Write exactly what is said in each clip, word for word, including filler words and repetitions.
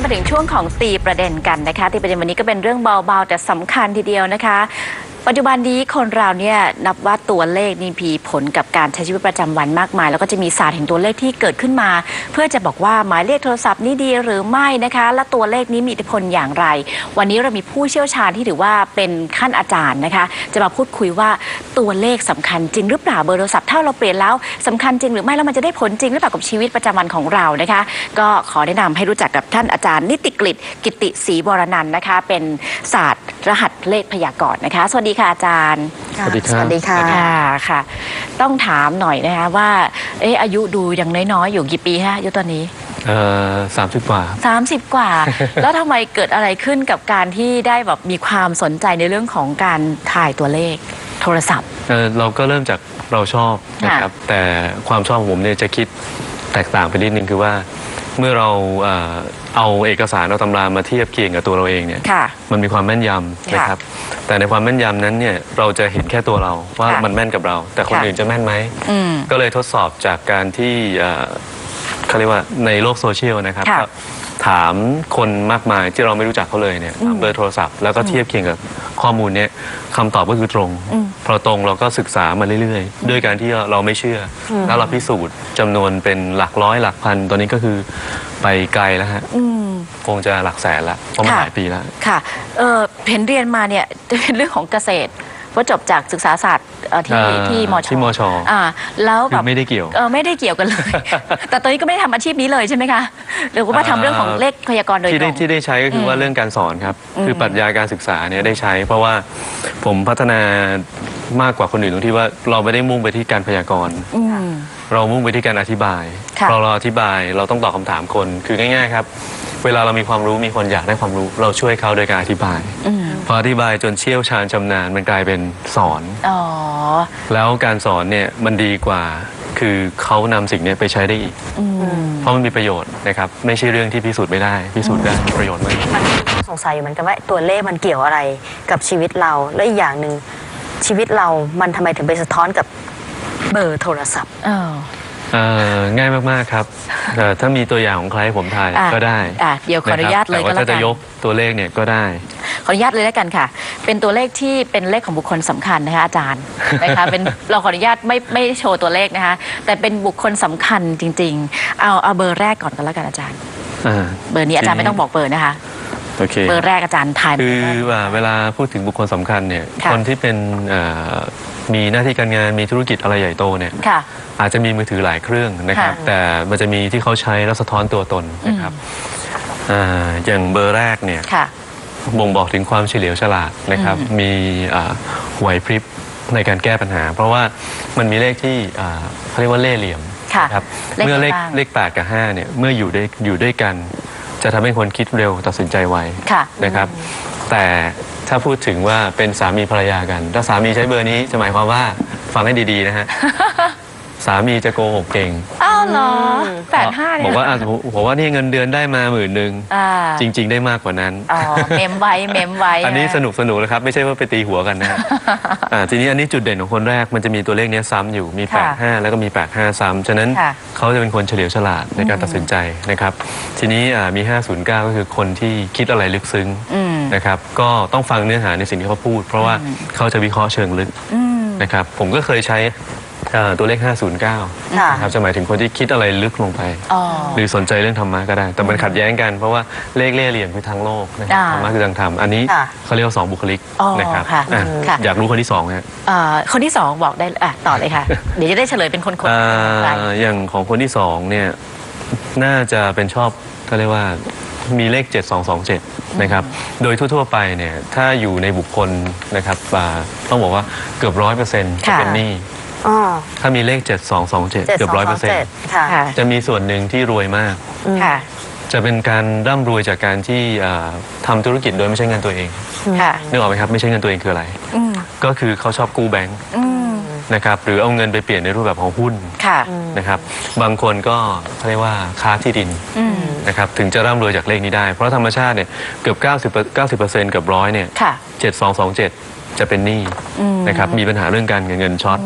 มาถึงช่วงของตีประเด็นกันนะคะตีประเด็นวันนี้ก็เป็นเรื่องเบาๆแต่สำคัญทีเดียวนะคะปัจจุบันนี้คนเราเนี่ยนับว่าตัวเลขนี่มีผลกับการใช้ชีวิตประจำวันมากมายแล้วก็จะมีศาสตร์แห่งตัวเลขที่เกิดขึ้นมาเพื่อจะบอกว่าหมายเลขโทรศัพท์นี้ดีหรือไม่นะคะและตัวเลขนี้มีอิทธิพลอย่างไรวันนี้เรามีผู้เชี่ยวชาญที่ถือว่าเป็นขั้นอาจารย์นะคะจะมาพูดคุยว่าตัวเลขสำคัญจริงหรือเปล่าเบอร์โทรศัพท์ถ้าเราเปลี่ยนแล้วสำคัญจริงหรือไม่แล้วมันจะได้ผลจริงหรือเปล่ากับชีวิตประจำวันของเรานะคะก็ขอแนะนำให้รู้จักกับท่านอาจารย์นิติกฤษกิติศรีวรนันท์นะคะเป็นศาสตร์รหัสเลขพยากรณ์นะคะสวัสดีค่ะอาจารย์สวัสดีครับสวัสดีค่ะค่ะต้องถามหน่อยนะคะว่าเอออายุดูยังน้อยๆอยู่กี่ปีฮะอายุตอนนี้เอ่อสามสิบกว่าสามสิบกว่า แล้วทำไมเกิดอะไรขึ้นกับการที่ได้แบบมีความสนใจในเรื่องของการถ่ายตัวเลขโทรศัพท์เออเราก็เริ่มจากเราชอบนะครับแต่ความชอบของผมเนี่ยจะคิดแตกต่างไปนิดนึงคือว่าเมื่อเราเอ่อเอาเอกสารเอาตำรามาเทียบเคียงกับตัวเราเองเนี่ยมันมีความแม่นยำนะครับแต่ในความแม่นยำนั้นเนี่ยเราจะเห็นแค่ตัวเราว่ามันแม่นกับเราแต่คนอื่นจะแม่นไหมก็เลยทดสอบจากการที่เขาเรียกว่าในโลกโซเชียลนะครับถามคนมากมายที่เราไม่รู้จักเขาเลยเนี่ยถามเบอร์โทรศัพท์แล้วก็เทียบเคียงกับข้อมูลเนี่ยคำตอบก็คือตรงพอตรงเราก็ศึกษามาเรื่อยๆด้วยการที่เราไม่เชื่อแล้วเราพิสูจน์จำนวนเป็นหลักร้อยหลักพันตอนนี้ก็คือไปไกลแล้วฮะคงจะหลักแสนละเพราะมันหลายปีแล้วค่ะเออเห็นเรียนมาเนี่ยจะเป็นเรื่องของเกษตรว่าจบจากศึกษาศาสตร์ที่ที่มชที่มชอ่าแล้วแบบไม่ได้เกี่ยวเออไม่ได้เกี่ยวกันเลยแต่ตอนนี้ก็ไม่ได้ทำอาชีพนี้เลยใช่ไหมคะหรือว่าทำเรื่องของเลขพยากรณ์โดยตรงที่ได้ที่ได้ใช้ก็คือว่าเรื่องการสอนครับคือปรัชญาการศึกษาเนี่ยได้ใช้เพราะว่าผมพัฒนามากกว่าคนอื่นตรงที่ว่าเราไม่ได้มุ่งไปที่การพยากรณ์เรามุ่งไปที่การอธิบายพอเราอธิบายเราต้องตอบคำถามคนคือง่ายๆครับเวลาเรามีความรู้มีคนอยากได้ความรู้เราช่วยเขาโดยการอธิบายพออธิบายจนเชี่ยวชาญชำนาญมันกลายเป็นสอนแล้วการสอนเนี่ยมันดีกว่าคือเขานำสิ่งนี้ไปใช้ได้อีกเพราะมันมีประโยชน์นะครับไม่ใช่เรื่องที่พิสูจน์ไม่ได้พิสูจน์ได้ประโยชน์มากสงสัยเหมือนกันว่าตัวเลขมันเกี่ยวอะไรกับชีวิตเราและอีกอย่างหนึ่งชีวิตเรามันทำไมถึงไปสะท้อนกับเบอร์โทรศัพท์ง่ายมากๆครับถ้ามีตัวอย่างของใครผมถ่ายก็ได้เดี๋ยวขออนุญาตเลยก็แล้วกันแต่ว่าถ้าจะยกตัวเลขเนี่ยก็ได้ขออนุญาตเลยแล้วกันค่ะเป็นตัวเลขที่เป็นเลขของบุคคลสำคัญนะคะอาจารย์นะคะเป็นเราขออนุญาตไม่ไม่โชว์ตัวเลขนะคะแต่เป็นบุคคลสำคัญจริงๆเอาเอาเบอร์แรกก่อนก็แล้วกันอาจารย์เบอร์นี้อาจารย์ไม่ต้องบอกเบอร์นะคะเบอร์แรกอาจารย์ทายคือว่าเวลาพูดถึงบุคคลสำคัญเนี่ยคนที่เป็นมีหน้าที่การงานมีธุรกิจอะไรใหญ่โตเนี่ยอาจจะมีมือถือหลายเครื่องนะครับแต่มันจะมีที่เขาใช้แล้วสะท้อนตัวตนนะครับอย่างเบอร์แรกเนี่ยบ่งบอกถึงความเฉลียวฉลาดนะครับมีไหวพริบในการแก้ปัญหาเพราะว่ามันมีเลขที่เขาเรียกว่าเล่ห์เหลี่ยมครับเมื่อเลขเลขแปดกับห้าเนี่ยเมื่ออยู่ได้อยู่ด้วยกันจะทำให้คนคิดเร็วตัดสินใจไวนะครับแต่ถ้าพูดถึงว่าเป็นสามีภรรยากันถ้าสามีใช้เบอร์นี้จะหมายความว่าฟังให้ดีๆนะฮะสามีจะโกหกเก่งอ้าวเหรอแปดห้าบอกว่าบอกว่านี่เงินเดือนได้มาหมื่นหนึ่งจริงๆได้มากกว่านั้นอ๋อเมมไว้เมมไว้อันนี้สนุกสนุกนะครับไม่ใช่ว่าไปตีหัวกันนะทีนี้อันนี้จุดเด่นของคนแรกมันจะมีตัวเลขนี้ซ้ำอยู่มีแปดห้าแล้วก็มีแปดห้าซ้ำฉะนั้นเขาจะเป็นคนเฉลียวฉลาดในการตัดสินใจนะครับทีนี้มีห้าศูนย์เก้าก็คือคนที่คิดอะไรลึกซึ้งนะครับก็ต้องฟังเนื้อหาในสิ่งที่เขาพูดเพราะว่าเขาจะวิเคราะห์เชิงลึกนะครับผมก็เคยใช้ตัวเลขห้าศูนย์เก้านะครับจะหมายถึงคนที่คิดอะไรลึกลงไปหรือสนใจเรื่องธรรมะก็ได้แต่มันขัดแย้งกันเพราะว่าเลขเล่ห์เหลี่ยมคือทางโลกธรรมะคือทางธรรมอันนี้เขาเรียกว่าสองบุคลิกนะครับอยากรู้คนที่สองครับคนที่สองบอกได้ต่อเลยค่ะเดี๋ยวจะได้เฉลยเป็นคนคนอย่างของคนที่สองเนี่ยน่าจะเป็นชอบเขาเรียกว่ามีเลขเจ็ดสองสองเจ็ดนะครับโดยทั่วๆไปเนี่ยถ้าอยู่ในบุคคลนะครับต้องบอกว่าเกือบร้อยเปอร์เซ็นต์จะเป็นหนี้ถ้ามีเลขเจ็ดสองสองเจ็ดเกือบร้อยเปอร์เซ็นต์จะมีส่วนหนึ่งที่รวยมากจะเป็นการร่ำรวยจากการที่ทำธุรกิจโดยไม่ใช่เงินตัวเองนึกออกไหมครับไม่ใช่เงินตัวเองคืออะไรก็คือเขาชอบกู้แบงก์นะครับหรือเอาเงินไปเปลี่ยนในรูปแบบของหุ้นนะครับบางคนก็เขาเรียกว่าค้าที่ดินนะครับถึงจะร่ำรวยจากเลขนี้ได้เพราะธรรมชาติเนี่ยเกือบเก้าสิบเก้าสิบเปอร์เซ็นต์เกือบร้อยเนี่ยเจ็ดสองสองเจ็ดจะเป็นหนี้นะครับมีปัญหาเรื่องการเงินเงินช็อต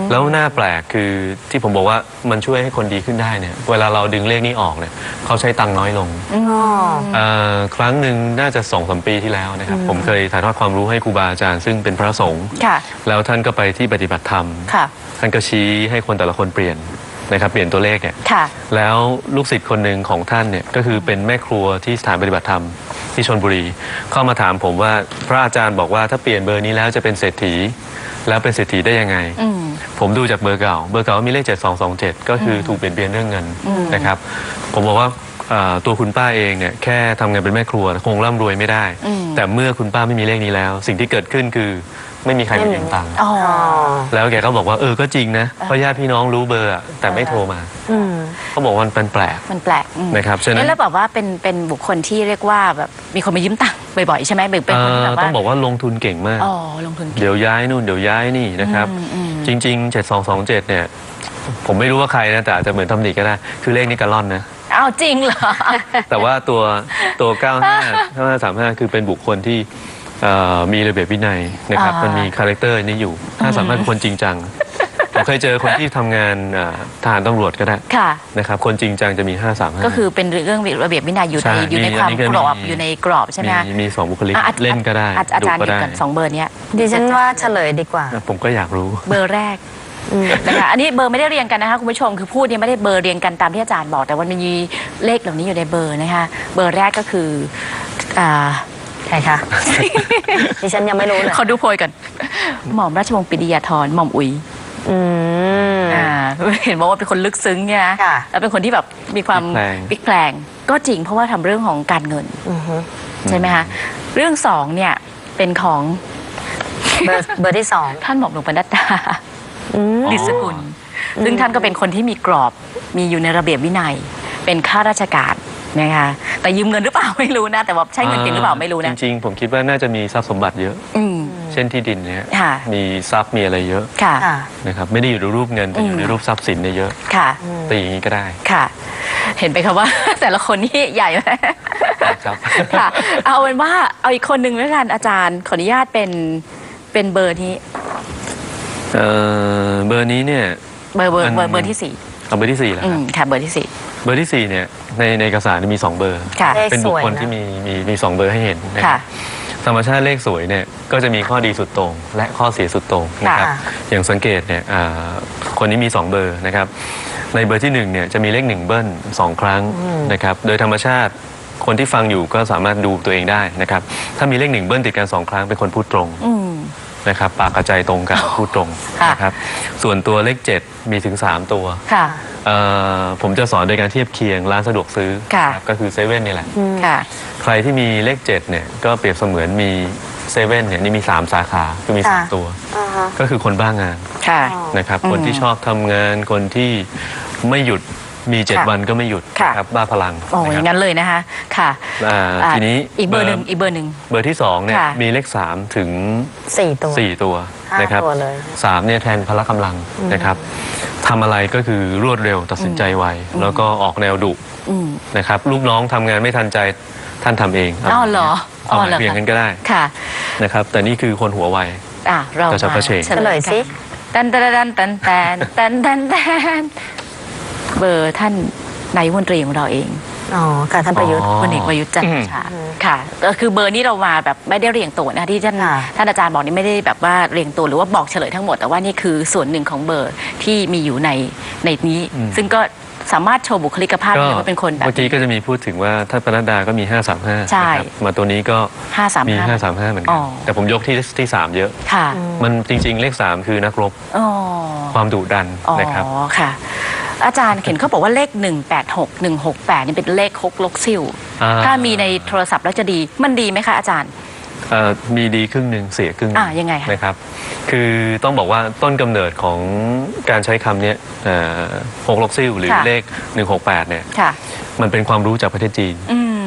แล้วหน้าแปลกคือที่ผมบอกว่ามันช่วยให้คนดีขึ้นได้เนี่ยเวลาเราดึงเลขนี้ออกเนี่ยเขาใช้ตังค์น้อยลงเอ่อครั้งหนึ่งน่าจะสองสามปีที่แล้วนะครับผมเคยถ่ายทอดความรู้ให้ครูบาอาจารย์ซึ่งเป็นพระสงฆ์แล้วท่านก็ไปที่ปฏิบัติธรรมท่านก็ชี้ให้คนแต่ละคนเปลี่ยนนะครับเปลี่ยนตัวเลขเนี่ยแล้วลูกศิษย์คนหนึ่งของท่านเนี่ยก็คือเป็นแม่ครัวที่สถานปฏิบัติธรรมที่ชลบุรีเข้ามาถามผมว่าพระอาจารย์บอกว่าถ้าเปลี่ยนเบอร์นี้แล้วจะเป็นเศรษฐีแล้วเป็นเศรษฐีได้ยังไงผมดูจากเบอร์เก่าเบอร์เก่ามีเลขเจ็ดสองสองเจ็ดก็คือถูกเปลี่ยนเปลี่ยนเรื่องเงินนะครับผมบอกว่าตัวคุณป้าเองเนี่ยแค่ทำงานเป็นแม่ครัวคงร่ำรวยไม่ได้แต่เมื่อคุณป้าไม่มีเลขนี้แล้ว สิ่งที่เกิดขึ้นคือไม่มีใครมายืมตังค์แล้วแกก็บอกว่าเออก็จริงนะเพราะญาติพี่น้องรู้เบอร์แต่ไม่โทรมาเขาบอกว่ามันเป็นแปลกมันแปลกนะครับฉะนั้นแล้วแบบว่าเป็นเป็นบุคคลที่เรียกว่าแบบมีคนมายืมตังค์บ่อยๆใช่ไหมเป็นคนแบบว่าต้องบอกว่าลงทุนเก่งมากอ๋อลงทุนเดี๋ยวย้ายนู่นเดี๋ยวย้ายนี่นะครับจริงๆเจ็ดสองสองเจ็ดเนี่ยผมไม่รู้ว่าใครนะแต่อาจจะเหมือนทำหนิก็ได้คือเลขนี้กะล่อนนะอ้าวจริงเหรอแต่ว่าตัวตัวเก้าห้าเก้าห้าสามห้าคือเป็นบุคคลที่มีระเบียบวินัยนะครับมันมีคาแรคเตอร์นี้อยู่ถ้าสามารถเป็นคนจริงจังผมเคยเจอคนที่ทำงานทหารตำรวจก็ได้นะครับคนจริงจังจะมีห้าสามห้าก็คือเป็นเรื่องระเบียบวินัยอยู่ในอยู่ในความกรอบอยู่ในกรอบใช่ไหมมีสองบุคลิกเล่นก็ได้อาจารย์อยู่กันสองเบอร์นี้ดิฉันว่าเฉลยดีกว่าผมก็อยากรู้เบอร์แรกนะคะอันนี้เบอร์ไม่ได้เรียงกันนะคะคุณผู้ชมคือพูดเนี่ยไม่ได้เบอร์เรียงกันตามที่อาจารย์บอกแต่ว่ามันมีเลขเหล่านี้อยู่ในเบอร์นะคะเบอร์แรกก็คือใครคะดิฉันยังไม่รู้เลยเขาดูโพยกันหม่อมราชวงศ์ปิยธรหม่อมอุ๋ยอ่าเห็นบอกว่าเป็นคนลึกซึ้งเนี่ยนะแล้วเป็นคนที่แบบมีความพลิกแปลงก็จริงเพราะว่าทำเรื่องของการเงินใช่ไหมคะเรื่องสองเนี่ยเป็นของเบอร์เบอร์ที่สองท่านหม่อมหลวงปนัดดาดิษกุลซึ่งท่านก็เป็นคนที่มีกรอบมีอยู่ในระเบียบวินัยเป็นข้าราชการนะคะแต่ยืมเงินหรือเปล่าไม่รู้นะแต่ว่าใช้เงินจริงหรือเปล่าไม่รู้นะจริงๆผมคิดว่าน่าจะมีทรัพย์สมบัติเยอะเช่นที่ดินเนี่ยมีทรัพย์มีอะไรเยอะนะครับไม่ได้อยู่ในรูปเงินแต่อยู่ในรูปทรัพย์สินเนี่ยเยอะแต่อย่างนี้ก็ได้ค่ะเห็นไปครับว่าแต่ละคนนี่ใหญ่ไหมครับค่ะเอาเป็นว่าเอาอีกคนหนึ่งแล้วกันอาจารย์ขออนุญาตเป็นเป็นเบอร์นี้เออเบอร์นี้เนี่ยเบอร์เบอร์เบอร์เบอร์ที่สี่เอาเบอร์ที่สี่แล้วค่ะเบอร์ที่สี่เบอร์ที่สี่เนี่ยในในเอกสารมีสองเบอร์เป็นบุคคลที่มีมีมีสองเบอร์ให้เห็นนะครับธรรมชาติเลขสวยเนี่ยก็จะมีข้อดีสุดโต่งและข้อเสียสุดโต่งนะครับอย่างสังเกตเนี่ยคนนี้มีสองเบอร์นะครับในเบอร์ที่หนึ่งเนี่ยจะมีเลขหนึ่งเบิ้ลสองครั้งนะครับโดยธรรมชาติคนที่ฟังอยู่ก็สามารถดูตัวเองได้นะครับถ้ามีเลขหนึ่งเบิ้ลติดกันสองครั้งเป็นคนพูดตรงนะครับปากกระจายตรงกันพูดตรงนะครับส่วนตัวเลขเจ็ดมีถึงสามตัวผมจะสอนโดยการเทียบเคียงร้านสะดวกซื้อก็คือเซเว่นนี่แหละใครที่มีเลขเจ็ดเนี่ยก็เปรียบเสมือนมีเซเว่นเนี่ยนี่มีสามสาขาคือมีสามตัวก็คือคนบ้างงานนะครับคนที่ชอบทำงานคนที่ไม่หยุดมีเจ็ดวันก็ไม่หยุดครับบ้าพลังโอ้ยงั้นเลยนะคะค่ะทีนี้อีกเบอร์หนึ่งอีกเบอร์หนึ่งเบอร์ที่สองเนี่ยมีเลขสามถึงสี่ตัวสี่ตัวนะครับสามเนี่ยแทนพละกำลังนะครับทำอะไรก็คือรวดเร็วตัดสินใจไวแล้วก็ออกแนวดุนะครับลูกน้องทำงานไม่ทันใจท่านทำเองอ๋อเหรอเอาเพียงกันก็ได้ค่ะนะครับแต่นี่คือคนหัวไวอ่ะเราจะเผชิญเฉลยสิตันตันตันตันตันตันตันตันเบอร์ท่านนายกรัฐมนตรีของเราเองอ๋อค่ะท่านประยุทธ์พลเอกประยุทธ์จันทร์โอชาค่ะคือเบอร์นี้เรามาแบบไม่ได้เรียงตัวนะที่ท่านท่านอาจารย์บอกนี่ไม่ได้แบบว่าเรียงตัวหรือว่าบอกเฉลยทั้งหมดแต่ว่านี่คือส่วนหนึ่งของเบอร์ที่มีอยู่ในในนี้ซึ่งก็สามารถโชว์บุคลิกภาพได้ว่าเป็นคนแบบเมื่อกี้ก็จะมีพูดถึงว่าท่านปนัดดาก็มีห้าสามห้าใช่มาตัวนี้ก็มีห้าสามห้าเหมือนกันแต่ผมยกที่ที่สามเยอะค่ะมันจริงๆเลขสามคือนักรบความดุดันนะครับอ๋อค่ะอาจารย์เห็นเขาบอกว่าเลขหนึ่งแปดหก หนึ่งหกแปดนี่เป็นเลขฮกลกซิ่วถ้ามีในโทรศัพท์แล้วจะดีมันดีไหมคะอาจารย์มีดีครึ่งหนึ่งเสียครึ่งอ่ายังไงนะครับคือต้องบอกว่าต้นกำเนิดของการใช้คำนี้ฮกลกซิ่วหรือเลขหนึ่งหกแปดเนี่ยมันเป็นความรู้จากประเทศจีน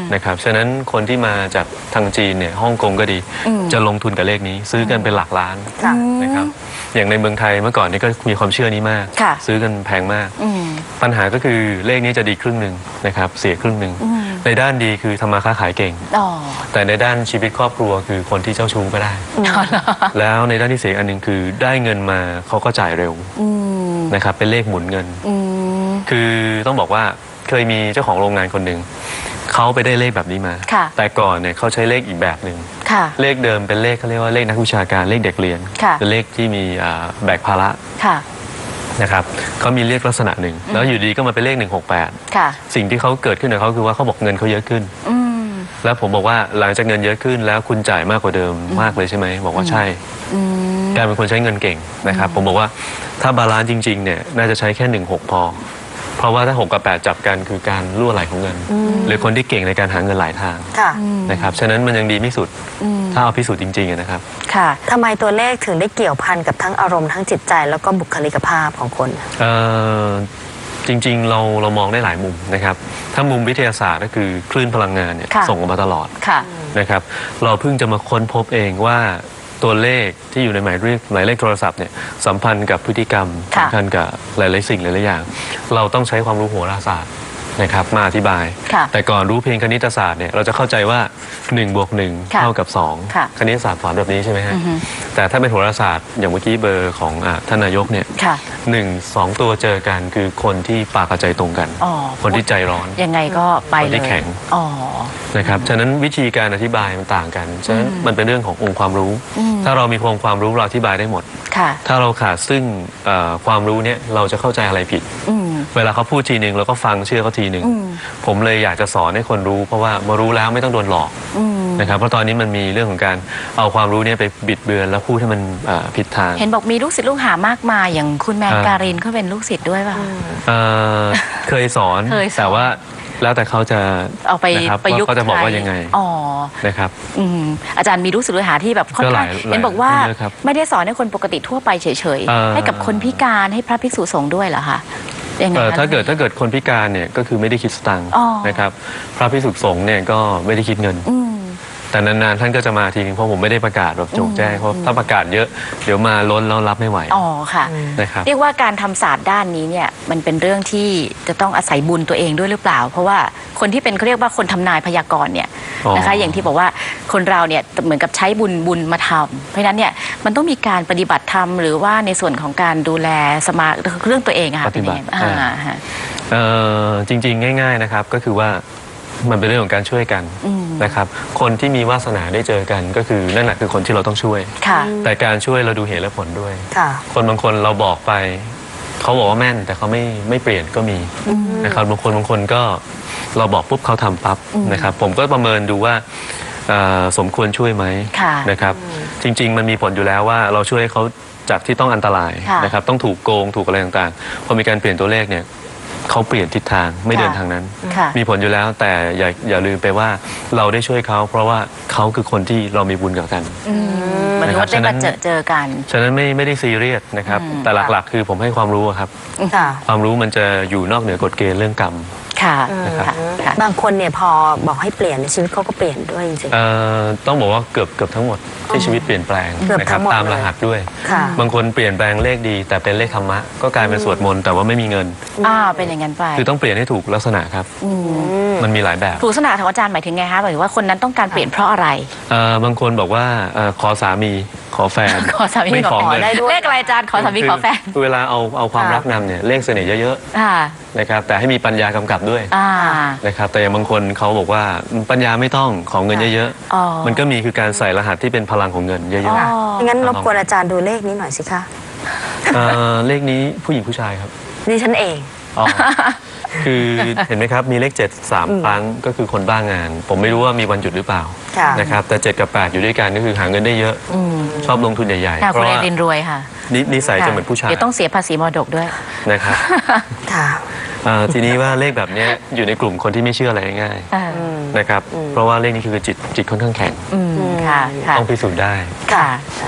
นะครับฉะนั้นคนที่มาจากทางจีนเนี่ยฮ่องกงก็ดี จะลงทุนกับเลขนี้ซื้อกันเป็นหลักล้านนะครับอย่างในเมืองไทยเมื่อก่อนนี่ก็มีความเชื่อนี้มากซื้อกันแพงมากปัญหาก็คือเลขนี้จะดีครึ่งหนึ่งนะครับเสียครึ่งหนึ่งในด้านดีคือทำมาค้าขายเก่งแต่ในด้านชีวิตครอบครัวคือคนที่เจ้าชู้ก็ได้แล้วในด้านที่เสียอันหนึ่งคือได้เงินมาเขาก็จ่ายเร็วนะครับเป็นเลขหมุนเงินคือต้องบอกว่าเคยมีเจ้าของโรงงานคนหนึ่งเขาไปได้เลขแบบนี้มาแต่ก่อนเนี่ยเขาใช้เลขอีกแบบหนึ่งเลขเดิมเป็นเลขเขาเรียกว่าเลขนักวิชาการเลขเด็กเรียนเป็นเลขที่มีแบกภาระนะครับเขามีเลขลักษณะหนึ่งแล้วอยู่ดีก็มาเป็นเลขหนึ่งหกแปดสิ่งที่เขาเกิดขึ้นกับเขาคือว่าเขาบอกเงินเขาเยอะขึ้นแล้วผมบอกว่าหลังจากเงินเยอะขึ้นแล้วคุณจ่ายมากกว่าเดิมมากเลยใช่ไหมบอกว่าใช่แกเป็นคนใช้เงินเก่งนะครับผมบอกว่าถ้าบาลานซ์จริงๆเนี่ยน่าจะใช้แค่หนึ่งหกพอเพราะว่าถ้าหกกับแปดจับกันคือการรั่วไหลของเงินหรือคนที่เก่งในการหาเงินหลายทางนะครับฉะนั้นมันยังดีไม่สุดถ้าเอาพิสูจน์จริงๆนะครับค่ะทำไมตัวเลขถึงได้เกี่ยวพันกับทั้งอารมณ์ทั้งจิตใจแล้วก็บุคลิกภาพของคนเอ่อจริงๆเราเรามองได้หลายมุมนะครับถ้ามุมวิทยาศาสตร์ก็คือคลื่นพลังงานเนี่ยส่งออกมาตลอดนะครับเราเพิ่งจะมาค้นพบเองว่าตัวเลขที่อยู่ในหมายเลขหมายเลขโทรศัพท์เนี่ยสัมพันธ์กับพฤติกรรมสัมพันธ์กับหลายๆสิ่งหลายๆอย่างเราต้องใช้ความรู้โหราศาสตร์นะครับมาอธิบายแต่ก่อนรู้เพียงคณิตศาสตร์เนี่ยเราจะเข้าใจว่าหนึ่งบวกหนึ่งเท่ากับสองคณิตศาสตร์สอนแบบนี้ใช่ไหมฮะแต่ถ้าเป็นโหราศาสตร์อย่างเมื่อกี้เบอร์ของท่านนายกเนี่ยหนึ่งสองตัวเจอกันคือคนที่ปากกับใจตรงกันคนที่ใจร้อนยังไงก็ไปเลยคนที่แข็งนะครับฉะนั้นวิธีการอธิบายมันต่างกันฉะนั้นมันเป็นเรื่องขององค์ความรู้ถ้าเรามีองค์ความรู้เราอธิบายได้หมดถ้าเราขาดซึ่งความรู้เนี่ยเราจะเข้าใจอะไรผิดเวลาเขาพูดทีหนึ่งเราก็ฟังเชื่อเขาทีหนึ่งผมเลยอยากจะสอนให้คนรู้เพราะว่ามารู้แล้วไม่ต้องโดนหลอกนะครับเพราะตอนนี้มันมีเรื่องของการเอาความรู้เนี่ยไปบิดเบือนแล้วพูดให้มันผิดทางเห็นบอกมีลูกศิษย์ลูกหามากมายอย่างคุณแมนการินเขาเป็นลูกศิษย์ด้วยป่ะเคยสอนแต่ว่าแล้วแต่เขาจะเอาไปประยุกต์เขาจะบอกว่ายังไงนะครับอาจารย์มีลูกศิษย์ลูกหาที่แบบค่อนข้างเห็นบอกว่าไม่ได้สอนให้คนปกติทั่วไปเฉยๆให้กับคนพิการให้พระภิกษุสงฆ์ด้วยเหรอคะถ้าเกิดถ้าเกิดคนพิการเนี่ยก็คือไม่ได้คิดสตังค์นะครับพระภิกษุสงฆ์เนี่ยก็ไม่ได้คิดเงินแต่นานๆท่านก็จะมาทีนึงเพราะผมไม่ได้ประกาศแบบโจงแจ้งเพราะถ้าประกาศเยอะเดี๋ยวมาล้นแล้วรับไม่ไหวอ๋อค่ะนะครับเรียกว่าการทำศาสตร์ด้านนี้เนี่ยมันเป็นเรื่องที่จะต้องอาศัยบุญตัวเองด้วยหรือเปล่าเพราะว่าคนที่เป็นเขาเรียกว่าคนทำนายพยากรณ์เนี่ยนะคะอย่างที่บอกว่าคนเราเนี่ยเหมือนกับใช้บุญบุญมาทำเพราะฉะนั้นเนี่ยมันต้องมีการปฏิบัติธรรมหรือว่าในส่วนของการดูแลสมาเรื่องตัวเองอะค่ะเป็นยังไงจริงๆง่ายๆนะครับก็คือว่ามันเป็นเรื่องของการช่วยกันนะครับคนที่มีวาสนาได้เจอกันก็คือนั่นแหละคือคนที่เราต้องช่วยแต่การช่วยเราดูเหตุและผลด้วยคนบางคนเราบอกไปเขาบอกว่าแม่นแต่เขาไม่ไม่เปลี่ยนก็มีนะครับบางคนบางคนก็เราบอกปุ๊บเขาทำปั๊บนะครับผมก็ประเมินดูว่าสมควรช่วยไหมนะครับจริงๆมันมีผลอยู่แล้วว่าเราช่วยเขาจากที่ต้องอันตรายนะครับต้องถูกโกงถูกอะไรต่างๆพอมีการเปลี่ยนตัวเลขเนี่ยเขาเปลี่ยนทิศทางไม่เดินทางนั้นมีผลอยู่แล้วแต่อย่าอย่าลืมไปว่าเราได้ช่วยเขาเพราะว่าเขาคือคนที่เรามีบุญกับกันมันว่าได้มาเจอเจอกันฉะนั้นไม่ไม่ได้ซีเรียสนะครับแต่หลักๆคือผมให้ความรู้ครับความรู้มันจะอยู่นอกเหนือกฎเกณฑ์เรื่องกรรมค่ะบางคนเนี่ยพอบอกให้เปลี่ยนชีวิตเขาก็เปลี่ยนด้วยจริงๆต้องบอกว่าเกือบเกือบทั้งหมดที่ชีวิตเปลี่ยนแปลงนะครับตามรหัสด้วยบางคนเปลี่ยนแปลงเลขดีแต่เป็นเลขธรรมะก็กลายเป็นสวดมนต์แต่ว่าไม่มีเงินอ่าเป็นอย่างนั้นไปคือต้องเปลี่ยนให้ถูกลักษณะครับมันมีหลายแบบถูกลักษณะของอาจารย์หมายถึงไงคะหมายถึงว่าคนนั้นต้องการเปลี่ยนเพราะอะไรบางคนบอกว่าขอสามีขอแฟนขอสามีขอแฟนเลขอะไรอาจารย์ขอสามีขอแฟนเวลาเอาเอาความรักนำเนี่ยเลขเสน่ห์เยอะๆนะครับแต่ให้มีปัญญากำกับด้วยนะครับแต่อย่างบางคนเขาบอกว่าปัญญาไม่ต้องของเงินเยอะๆมันก็มีคือการใส่รหัสที่เป็นพลังของเงินเยอะๆงั้นรบกวนอาจารย์ดูเลขนี้หน่อยสิคะเลขนี้ผู้หญิงผู้ชายครับนี่ฉันเองคือเห็นไหมครับมีเลขเจ็ดสามครั้งก็คือคนบ้างงานผมไม่รู้ว่ามีวันหยุดหรือเปล่านะครับแต่เจ็ดกับแปดอยู่ด้วยกันก็คือหาเงินได้เยอะชอบลงทุนใหญ่ๆเพราะว่าเรียนรวยค่ะนิสัยจะเหมือนผู้ชายเดี๋ยวต้องเสียภาษีมรดกด้วยนะครับทีนี้ว่าเลขแบบนี้อยู่ในกลุ่มคนที่ไม่เชื่ออะไรง่ายๆนะครับเพราะว่าเลขนี้คือจิตจิตค่อนข้างแข็งต้องพิสูจน์ได้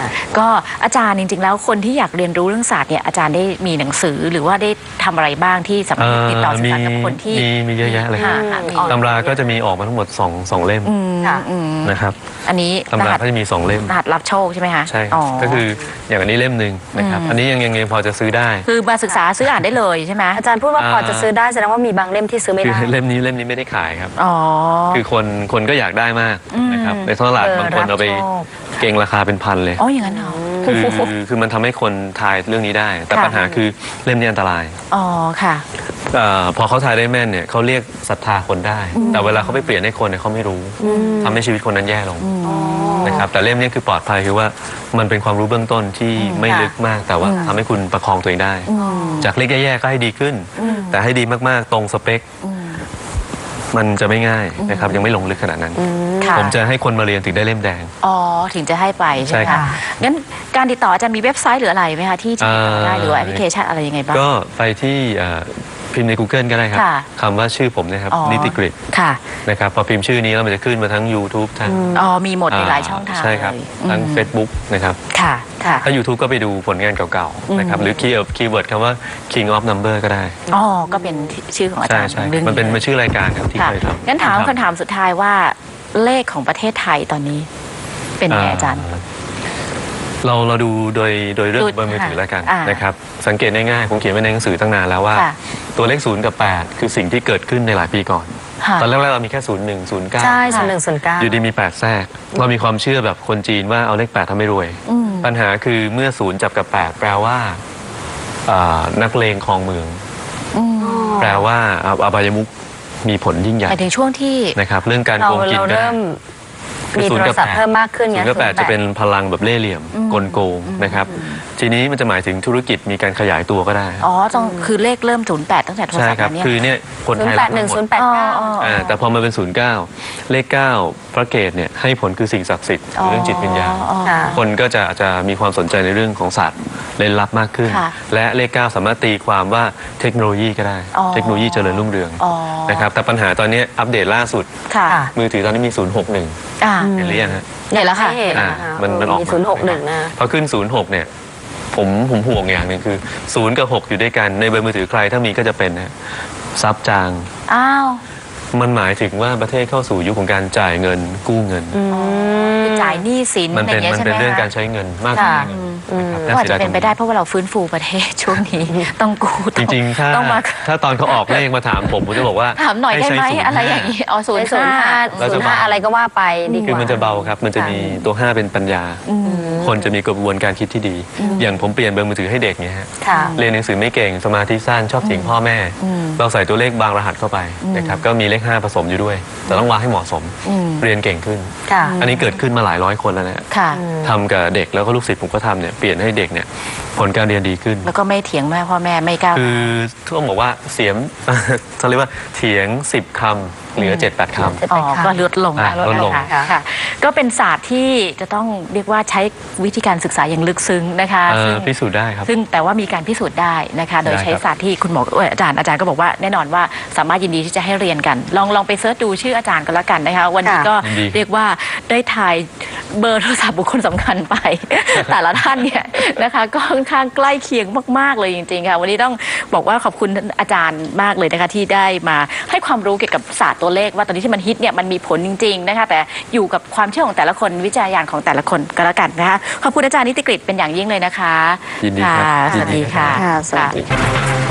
ก็อาจารย์จริงๆแล้วคนที่อยากเรียนรู้เรื่องศาสตร์เนี่ยอาจารย์ได้มีหนังสือหรือว่าได้ทำอะไรบ้างที่สามารถติดต่อสื่อสารกับคนที่มีมีเยอะแยะเลยครับค่ะมีตำราก็จะมีออกมาทั้งหมด2 2เล่มอืมค่ะอืมนะครับอันนี้ตำราก็จะมีสองเล่มรหัสรับโชคใช่ไหมคะใช่อ๋อก็คืออย่างอันนี้เล่มหนึ่งนะครับอืมอันนี้ยังยังยังพอจะซื้อได้คือมาศึกษาซื้ออ่านได้เลยใช่ไหมอาจารย์พูดว่าพอจะซื้อได้แสดงว่ามีบางเล่มที่ซื้อไม่คือได้เล่มนี้เล่มนี้ไม่ได้ขายครับอ๋อคือคนคนก็อยากได้มากนะครับอืมในท้องตลาดเออบางคนเอาไปรับโชคเก่งราคาเป็นพันเลยอ๋ออย่างนั้นเหรอคือโอ้โหคือมันทำให้คนทายเรื่องนี้ได้ แต่ค่ะปัญหาคือเล่มนี้อันตรายอ๋อค่ะเออพอเขาทายได้แม่นเนี่ยเขาเรียกศรัทธาคนได้ แต่เวลาเขาไปเปลี่ยนให้คนเนี่ยเขาไม่รู้ทำให้ชีวิตคนนั้นแย่ลงนะครับแต่เล่มนี้คือปลอดภัยคือว่ามันเป็นความรู้เบื้องต้นที่ไม่ลึกมาก แต่ว่าทำให้คุณประคองตัวเองได้ จากเล็กแย่ๆก็ให้ดีขึ้น แต่ให้ดีมากๆตรงสเปค มันจะไม่ง่ายนะครับยังไม่ลงลึกขนาดนั้นค่ะผมจะให้คนมาเรียนถึงได้เล่มแดงอ๋อถึงจะให้ไปใช่ไหมใช่ครัคะบงั้นการติดต่ออาจารย์มีเว็บไซต์หรืออะไรไหมคะที่จะติดต่อได้เอ่อหรือว่าแอปพลิเคชันอะไรยังไงบ้างก็ไปที่เอ่อพิมพ์ใน Google ก็ได้ครับค่ะคำว่าชื่อผมเนะครับอ๋อนิติกฤตค่ะนะครับพอพิมพ์ชื่อนี้แล้วมันจะขึ้นมาทั้ง YouTube ทั้งอ๋อมีหมดในหลายช่องทางใช่ครับเลยทั้งอืม Facebook นะครับค่ะค่ะถ้า YouTube ก็ไปดูผลงานเก่าๆนะครับหรือคีย์คีย์เวิร์ดคำว่า King of Number ก็ได้อ๋อก็เป็นชื่อของอาใช่จารย์ใช่รื่องมันเป็นมันชื่อรายการครับที่ค่ะเคยทำงั้นถามรับคำถามสุดท้ายว่าเลขของประเทศไทยตอนนี้ เป็นไงอาจารย์เราเราดูโดยโดยเรื่องดูเบอร์มือถือแล้วกันอ่านนะครับสังเกตง่ายๆผมเขียนไว้ในหนังสือตั้งนานแล้วว่าค่ะตัวเลขศูนย์กับแปดคือสิ่งที่เกิดขึ้นในหลายปีก่อนค่ะตอนแรกๆเรามีแค่ศูนย์หนึ่งศูนย์เก้าใช่ส่วนหนึ่งส่วนเก้าอยู่ดีมีแปดแทรกเรามีความเชื่อแบบคนจีนว่าเอาเลขแปดทำให้รวยอืมปัญหาคือเมื่อศูนย์จับกับแปดแปลว่าอ่านักเลงครองเมืองอืมแปลว่าอ่าอบายมุขมีผลยิ่งใหญ่หมายถึงช่วงที่นะครับเรื่องการเราโกงกินเราก็ได้เริ่มคือมีศูโทนย์รกับศัพท์แปดเพิ่มมากขึ้นศูไงนย์กับแปดจะเป็นพลังแบบเล่ห์เหลี่ยมกลโกงนะครับทีนี้มันจะหมายถึงธุรกิจมีการขยายตัวก็ได้อ๋อต้องคือเลขเริ่มศูนย์แปดตั้งแต่โทรใช่ศัพท์ครับมาเนี่ยคือเนี่ยคนศูไทนยย์แปรัดกหนึ่งหมศูดนย์แปดเก้าอ๋ออ๋ออ่าแต่พอมาเป็นศูนย์เก้าเลขเก้าพระเกตเนี่ยให้ผลคือสิ่งศักดิ์สิทธิ์หรือเรื่องจิตวิญญาณอ๋อค่ะคนก็จะอาจจะมีความสนใจในเรื่องของศาสตร์เล่นลับมากขึ้นค่ะและเลขเก้าสามารถตีความว่าเทคโนโลยีก็ได้อ๋อเทคโนโลยีเจริญรุ่งเรืองอ๋อนะครับแต่ปัญหาตอนนี้อัปเดตล่าสุดค่ะค่ะมือถือตอนนี้มีศูนย์หกหนึ่งอ่าเห็นหรือยังฮะเนี่ยแล้วค่ะให้เห็นอ่านะคะมันมันออกมีมาศูนย์หกหนึ่งนะพอขึ้นศูนย์หกเนี่ยผมผมห่วงอย่างหนึ่งคือศูนย์กับหกอยู่ด้วยกันในเบอร์มือถือใครถ้ามีก็จะเป็นนะฮะซับจางอ้าวมันหมายถึงว่าประเทศเข้าสู่ยุคของการจ่ายเงินกู้เงินคือจ่ายหนี้สินมันอะไรเป็นเงี้ยมันใช่ไหเป็มนเรื่องคะการใช้เงินมากกว่าค่ะเงินอืมนะครับก็อาจจะสียดยเป็นไปได้เพราะว่าเราฟื้นฟูประเทศช่วงนี้ ต้องกู้จริงๆ ถ้าต้องมาถ้าตอนเขาออกเลขมาถามผมผมจะบอกว่าถามหน่อยได้ไหมใช้ศูนอะไรอย่างนี้อ๋อศูนย์ศูนย์ห้าเราศูจะนย์ห้าบอกอะไรก็ว่าไปดีกคือว่ามันจะเบาครับ มันจะมีตัวห้าเป็นปัญญา คนจะมีกระบวนการคิดที่ดี อย่างผมเปลี่ยนเบอร์มือถือให้เด็กเนี่ยฮะค่ะเรียนหนังสือไม่เก่งสมาธิสั้นชอบเถียงพ่อแม่ เราใส่ตัวเลขบางรหัสเข้าไปนะครับก็มีเลขห้าผสมอยู่ด้วย แต่ต้องวางให้เหมาะสมอืมเรียนเก่งขึ้นค่ะอันนี้เกิดขึ้นมาหลายร้อยคนแล้วนะค่ะทำกับเด็กแล้วก็ลูกศิษย์ผมก็ทำเนี่ยเปลี่ยนให้เด็กเนี่ยผลการเรียนดีขึ้นแล้วก็ไม่เถียงแม่พ่อแม่ไม่กล้าคือต้องบอกว่าเสียม เขาเรียกว่าเถียงสิบคำเหลือเจ็ดแปดคำอ๋อก็ลดลงอ่าลดลงค่ะค่ะ ก็เป็นศาสตร์ที่จะต้องเรียกว่าใช้วิธีการศึกษาอย่างลึกซึ้งนะคะเอ่อซึ่งพิสูจน์ได้ครับซึ่งแต่ว่ามีการพิสูจน์ได้นะคะ โดยได้ครับใช้ศาสตร์ที่คุณหมอเอ้ยอาจารย์อาจารย์ก็บอกว่าแน่นอนว่าสามารถยินดีที่จะให้เรียนกัน ลองลองไปเสิร์ชดูชื่ออาจารย์ก็แล้วกันนะคะ วันนี้ค่ะก็ยินดีเรียกว่าได้ทายเบอร์โทรศัพท์บุคคลสำคัญไป แต่ละท่านเนี่ยนะคะก็ค่อนข้างใกล้เคียงมากๆเลยจริงๆค่ะวันนี้ต้องบอกว่าขอบคุณอาจารย์มากเลยนะคะที่ได้มาให้ความรู้เกี่ยวกับศาสตร์ตัวเลขว่าตอนนี้ที่มันฮิตเนี่ยมันมีผลจริงๆนะคะแต่อยู่กับความเชื่อของแต่ละคนวิจารณญาณของแต่ละคนก็แล้วกันนะคะขอบคุณอาจารย์นิติกฤตเป็นอย่างยิ่งเลยนะคะยินดีครับค่ะสยิวัน สดีดีครัค่ะบค่ะสวัสดีค่ะ